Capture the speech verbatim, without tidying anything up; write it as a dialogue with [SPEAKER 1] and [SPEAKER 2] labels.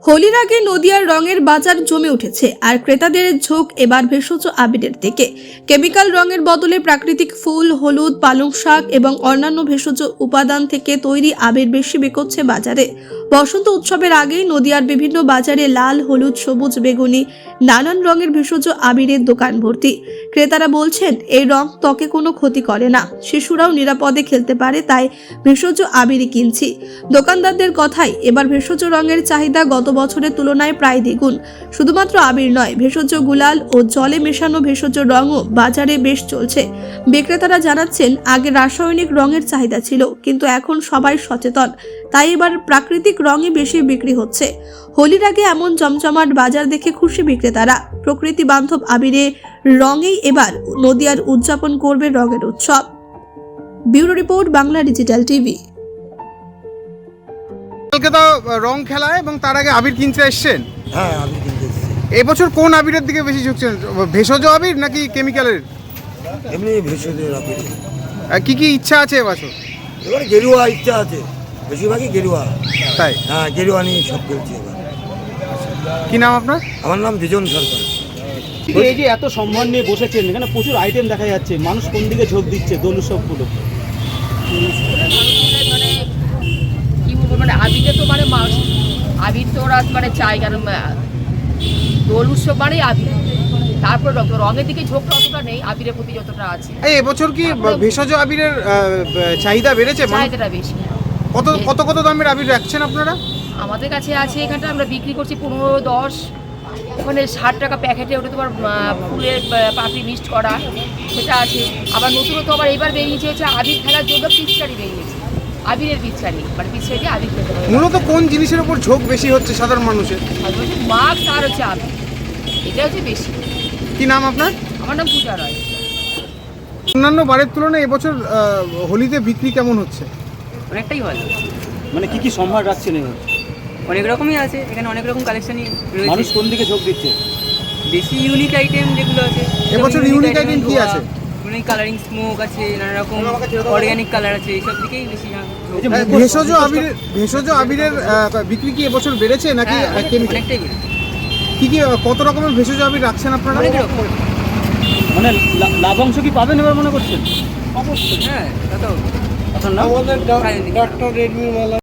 [SPEAKER 1] হোলির আগে নদিয়ার রঙের বাজার জমে উঠেছে, আর ক্রেতাদের ঝোঁক এবার ভেষজ আবিরের দিকে। কেমিক্যাল রঙের বদলে প্রাকৃতিক ফুল, হলুদ, পালং শাক এবং অন্যান্য ভেষজ উপাদান থেকে তৈরি আবির বেশি বিকোচ্ছে বাজারে। বসন্ত উৎসবের আগেই নদিয়ার বিভিন্ন বাজারে লাল, হলুদ, সবুজ, বেগুনি নানান রঙের ভেষজ আবিরের দোকান ভর্তি। ক্রেতারা বলছেন এই রং ত্বকে কোনো ক্ষতি করে না, শিশুরাও নিরাপদে খেলতে পারে, তাই ভেষজ আবিরই কিনছি। দোকানদারদের কথাই এবার ভেষজ রঙের চাহিদা গত বছরের তুলনায় প্রায় দ্বিগুণ। শুধুমাত্র আবির নয়, ভেষজ গুলাল ও জলে মেশানো ভেষজ রঙও বাজারে বেশ চলছে। বিক্রেতারা জানাচ্ছেন আগে রাসায়নিক রঙের চাহিদা ছিল, কিন্তু এখন সবাই সচেতন, তাই এবার প্রাকৃতিক রঙই বেশি বিক্রি হচ্ছে। হোলির আগে এমন জমজমাট বাজার দেখে খুশি বিক্রেতারা। প্রকৃতি বান্ধব আবিরে রঙেই এবার নদিয়ার উদযাপন করবে রঙের উৎসব। ব্যুরো রিপোর্ট, বাংলা ডিজিটাল টিভি।
[SPEAKER 2] কালকে তো রং খেলা এবং তার আগে আবির কিনতে এসছেন।
[SPEAKER 3] হ্যাঁ, আবির কিনতে এসেছি।
[SPEAKER 2] এবছর কোন আবিরের দিকে বেশি ঝুঁকছেন, ভেষজ আবির নাকি কেমিক্যালের?
[SPEAKER 3] এমনি ভেষজের আবির।
[SPEAKER 2] আহ, কি কি ইচ্ছা আছে এবছর?
[SPEAKER 3] এবার গেরুয়া ইচ্ছা আছে, বেশিরভাগই গেরুয়া।
[SPEAKER 2] তাই?
[SPEAKER 3] হ্যাঁ, গেরুয়া নিয়ে সব খেলছি এবার।
[SPEAKER 2] কি নাম আপনার?
[SPEAKER 3] আমার নাম বিজন সরকার।
[SPEAKER 4] এই যে এত সম্মান নিয়ে বসেছেন, এখানে প্রচুর আইটেম দেখা যাচ্ছে, মানুষ কোন দিকে ঝোঁক দিচ্ছে দোল উৎসবগুলো?
[SPEAKER 5] মানে কি বলবো, মানে আবিরে তো মানে মানুষ আবির তো ওরা মানে চায়, কারণ দোল উৎসব মানেই আবির। তারপর রং, রঙের দিকে ঝোঁকটা অতটা নেই, আবিরের প্রতি যতটা আছে।
[SPEAKER 2] এই এবছর কি ভেষজ আবিরের আহ, চাহিদা বেড়েছে? মানে
[SPEAKER 5] চাহিদাটা বেশি।
[SPEAKER 2] কত কত কত দামের আবির রাখছেন আপনারা?
[SPEAKER 5] আমাদের কাছে আছে, এখানটা আমরা বিক্রি করছি পনেরো দশ, ওখানে ষাট টাকা প্যাকেটে। ওটা তোমার আহ, ফুলের আহ, পাপড়ি মিক্সড করা, সেটা আছে। আবার নতুনত্ব আবার এবার বেরিয়েছে হচ্ছে আবির খেলার জন্য পিচকারি বেরিয়েছে, আবিরের পিচকারি, মানে পিচকারি দিয়ে আবির খেতে হবে।
[SPEAKER 2] মূলত কোন জিনিসের উপর ঝোঁক বেশি হচ্ছে সাধারণ মানুষের?
[SPEAKER 5] আর বলছে মাস্ক আর হচ্ছে আবির, এটা হচ্ছে বেশি।
[SPEAKER 2] কি নাম আপনার?
[SPEAKER 5] আমার নাম পূজা রায়।
[SPEAKER 2] অন্যান্য বারের তুলনায় এবছর আহ, হোলিতে বিক্রি কেমন হচ্ছে?
[SPEAKER 6] অনেকটাই ভালো,
[SPEAKER 4] মানে কি কি সম্ভার রাখছেন এবার?
[SPEAKER 6] অনেক রকমই আছে এখানে, অনেক রকম কালেকশনই
[SPEAKER 4] মানুষ
[SPEAKER 6] রয়েছে।
[SPEAKER 4] কোন দিকে ঝোঁক দিচ্ছে?
[SPEAKER 6] বেশি ইউনিক আইটেম যেগুলো আছে,
[SPEAKER 2] এবছর unique item কি আছে?
[SPEAKER 6] ইউনিক কালারিং স্মোক আছে, নানা রকম অর্গানিক কালার আছে, এইসব দিকেই বেশি না।
[SPEAKER 4] এই যে
[SPEAKER 2] আহ,
[SPEAKER 4] মুখোশ-
[SPEAKER 2] ভেষজ আবিরের ভেষজ আবিরের আহ, বিক্রি কি এবছর বেড়েছে নাকি
[SPEAKER 6] হ্যাঁ,
[SPEAKER 2] আহ, কেমিক্যাল?
[SPEAKER 6] অনেকটাই বেশি।
[SPEAKER 2] কি কি আহ, কত রকমের ভেষজ আবির রাখছেন আপনারা?
[SPEAKER 6] অনেক রকম,
[SPEAKER 4] মানে লা- লাভাংশ কি পাবেন এবার মনে করছেন?
[SPEAKER 6] হ্যাঁ তা তো
[SPEAKER 4] আপনার নাম?
[SPEAKER 6] সায়ন্তিকা।